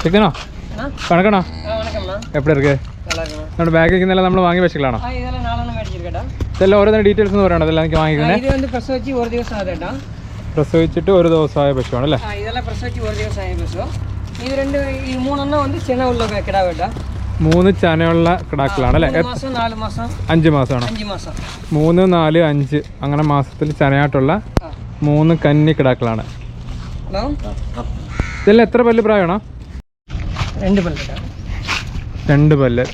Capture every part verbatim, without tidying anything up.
ചിക്കനോ കണക്കണോ എപ്പോഴും ഇருக்கு നമ്മുടെ ബാഗിൽ ഇന്നെല്ലാം നമ്മൾ വാങ്ങി വെച്ചിട്ടാണോ ഇതെല്ലാം ഓരോ ഡീറ്റെയിൽസ് എന്ന് പറയണോ അതെല്ലാം എനിക്ക് വാങ്ങിക്കുന്നത് പ്രസവിച്ചിട്ട് ഒരു ദിവസമായ പശുവാണ് അല്ലേ മൂന്ന് ചനയുള്ള കിടാക്കളാണ് അല്ലേ അഞ്ച് മാസമാണോ മൂന്ന് നാല് അഞ്ച് അങ്ങനെ മാസത്തിൽ ചനയായിട്ടുള്ള മൂന്ന് കന്നി കിടാക്കളാണ് ഇതെല്ലാം എത്ര പല്ല് പ്രായമാണോ രണ്ട് പല്ല് രണ്ട് പല്ല്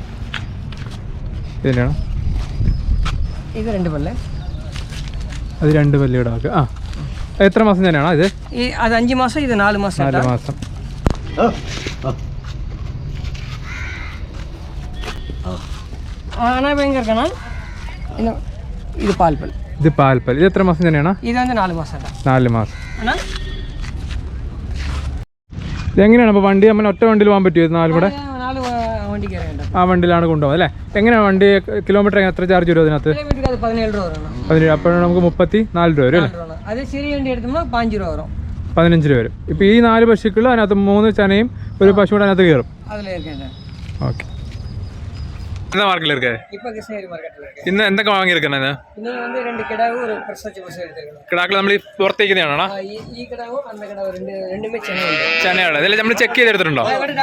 ഇതിനാണ് ഇത് രണ്ട് പല്ല് അത് രണ്ട് പല്ല് കിടാക്ക് ആ എത്ര മാസം തന്നെയാണോ ഇത് അത് അഞ്ച് മാസം ഇത് നാല് മാസം നാല് മാസം ആണ ഭയങ്കര ഇത് പാൽപ്പൽ ഇത് പാൽപ്പൽ ഇത് എത്ര മാസം തന്നെയാണ് ഇത് വന്ന് നാല് മാസം നാല് മാസം ഇതെങ്ങനെയാണ് അപ്പോൾ വണ്ടി നമ്മൾ ഒറ്റ വണ്ടിയിൽ പോകാൻ പറ്റുമോ നാലും കൂടെ ആ വണ്ടിയിലാണ് കൊണ്ടുപോകുന്നത് അല്ലേ എങ്ങനെയാണ് വണ്ടി കിലോമീറ്റർ എത്ര ചാർജ് വരും അതിനകത്ത് പതിനേഴ് അപ്പോഴാണ് നമുക്ക് മുപ്പത്തി നാല് രൂപ വരും അല്ലേ പതിനഞ്ച് രൂപ വരും ഇപ്പം ഈ നാല് പശുക്കൾ അതിനകത്ത് മൂന്ന് ചനയും ഒരു പശു കൂടെ അതിനകത്ത് കയറും ഓക്കെ എന്താ മാർക്കറ്റിൽ ഇருக்கு ഇന്ന് എന്തൊക്കെ വാങ്ങിയിരിക്കുന്നത് കിടാക്കൾ നമ്മൾ ഈ പുറത്തേക്കുന്നതാണോ ചനയാണ് ഇതെല്ലാം നമ്മൾ ചെക്ക് ചെയ്തെടുത്തിട്ടുണ്ടോ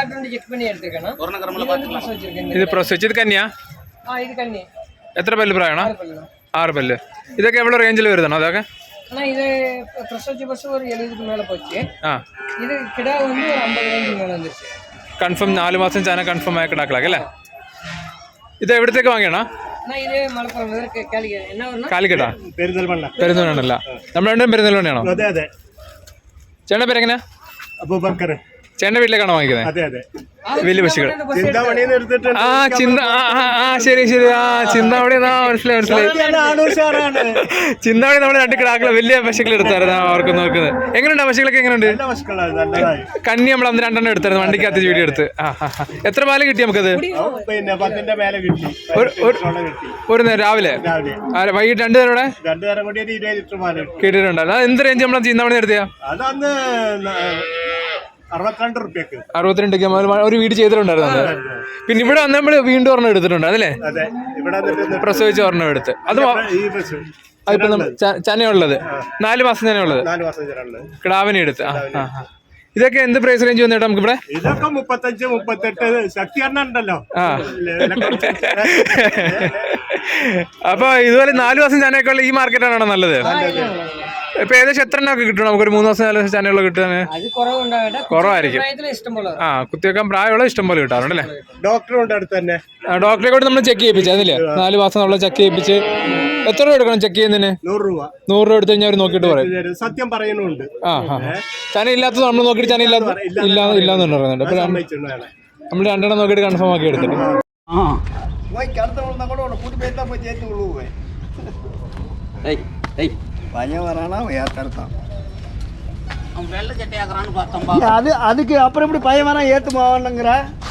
ഇത് പ്രസവിച്ച് ഇത് കന്യാ എത്ര പല്ല് പ്രായമാണോ ആറ് പല്ല് ഇതൊക്കെ എവിടെ റേഞ്ചിൽ വരുന്നതാണോ അതൊക്കെ இது பிரசவிச்ச பஸ் ஒரு எழுபதுக்கு மேல போச்சு இது கிடா வந்து ஒரு ஐம்பது ரேஞ்சுக்கு மேல வந்துருச்சு കൺഫേം നാല് മാസം ചാന കൺഫേം ആയ കിടാക്കളാക്കി അല്ലേ ഇത് എവിടത്തേക്ക് വാങ്ങിയാണോ ഇത് മലപ്പുറം കാലിക്കട്ടാ പെരുന്തൽമണ്ണല്ല നമ്മൾ രണ്ടും പെരുന്തൽമണ്ണയാണോ ചേട്ടൻ്റെ പേരെങ്ങനെയാ ചേട്ടൻ്റെ വീട്ടിലേക്കാണോ വാങ്ങിക്കുന്നത് വലിയ പശുക്കൾ ആ ചിന്ത ആ ശരി ശരി ആ ചിന്താവണി മനസ്സിലായി മനസ്സിലായി ചിന്താവണി നമ്മുടെ രണ്ട് കിടാക്കളെ വലിയ പശുക്കൾ എടുത്തായിരുന്നു അവർക്ക് നോക്കുന്നത് എങ്ങനെയുണ്ട് ആ പശുക്കളൊക്കെ എങ്ങനെയുണ്ട് കന്നി നമ്മൾ അന്ന് രണ്ടെണ്ണം എടുത്തായിരുന്നു വണ്ടിക്കകത്ത് വീഡിയോ എടുത്ത് ആ എത്ര പാല് കിട്ടി നമുക്കത് ഒരു നേരം രാവിലെ വൈകിട്ട് രണ്ടു നേരം കിട്ടിയിട്ടുണ്ടല്ലോ എന്ത് റേഞ്ച് നമ്മളെ ചിന്താവണി എടുത്തിയാ അറുപത്തിരണ്ട് ഒരു വീട് ചെയ്തിട്ടുണ്ടായിരുന്നു പിന്നെ ഇവിടെ വന്ന് നമ്മള് വീണ്ടും ഒരെണ്ണം എടുത്തിട്ടുണ്ട് അതല്ലേ പ്രസവിച്ച ഒരെണ്ണം എടുത്ത് അത് അതിപ്പോ ചനയുള്ളത് നാല് മാസം ചനയുള്ളത് കിടാവിനെ എടുത്ത് ഇതൊക്കെ എന്ത് പ്രൈസ് റേഞ്ച് വന്നിട്ട് നമുക്ക് ഇവിടെ ഇതൊക്കെ മുപ്പത്തഞ്ച് മുപ്പത്തെട്ട് ശക്തി ഉണ്ടല്ലോ അപ്പൊ ഇതുപോലെ നാല് മാസം ചനയൊക്കെ ഈ മാർക്കറ്റാണോ നല്ലത് ഇപ്പൊ ഏകദേശം എത്ര എണ്ണൊക്കെ കിട്ടണം നമുക്കൊരു മൂന്ന് മാസം നാല് മാസം ചനയുള്ള കിട്ടാൻ കുറവായിരിക്കും ആ കുത്തിവെക്കാൻ പ്രായമുള്ള ഇഷ്ടം പോലെ കിട്ടാറുണ്ട് അല്ലേ ഡോക്ടറുണ്ട് അടുത്ത് തന്നെ ഡോക്ടറെ കൂടെ നമ്മൾ ചെക്ക് ചെയ്യിപ്പിച്ചു അതില്ലേ നാല് മാസം നമ്മളെ ചെക്ക് ചെയ്യിപ്പിച്ച് എത്ര രൂപ എടുക്കണം ചെക്ക് ചെയ്യുന്നതിന് നൂറ് രൂപ നൂറ് രൂപ എടുത്ത് കഴിഞ്ഞാൽ അവർ നോക്കിയിട്ട് പറയും സത്യം പറയുന്നുണ്ട് ആ ചന ഇല്ലാത്തത് നമ്മൾ നോക്കിയിട്ട് ചന ഇല്ലാത്ത ഇല്ല ഇല്ലാന്ന് പറയുന്നുണ്ട് അപ്പൊ നമ്മൾ രണ്ടെണ്ണം നോക്കിയിട്ട് കൺഫേം ആക്കി എടുത്തിട്ട് அது அதுக்கு அப்புறம் இப்படி பையன் வேணா ஏத்துமாவனுங்கிற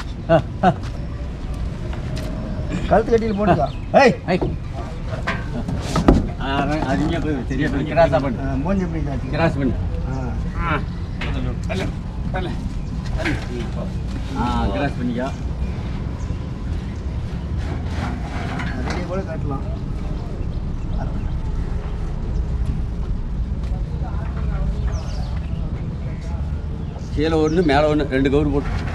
கழுத்து கட்டியில் போட்டுக்கா மூஞ்சி எப்படி கிராஸ் பண்ணு கிராஸ் பண்ணிக்கா கூட கட்டலாம் கீழே ஒன்று மேலே ஒன்று ரெண்டு கவுரு போட்டு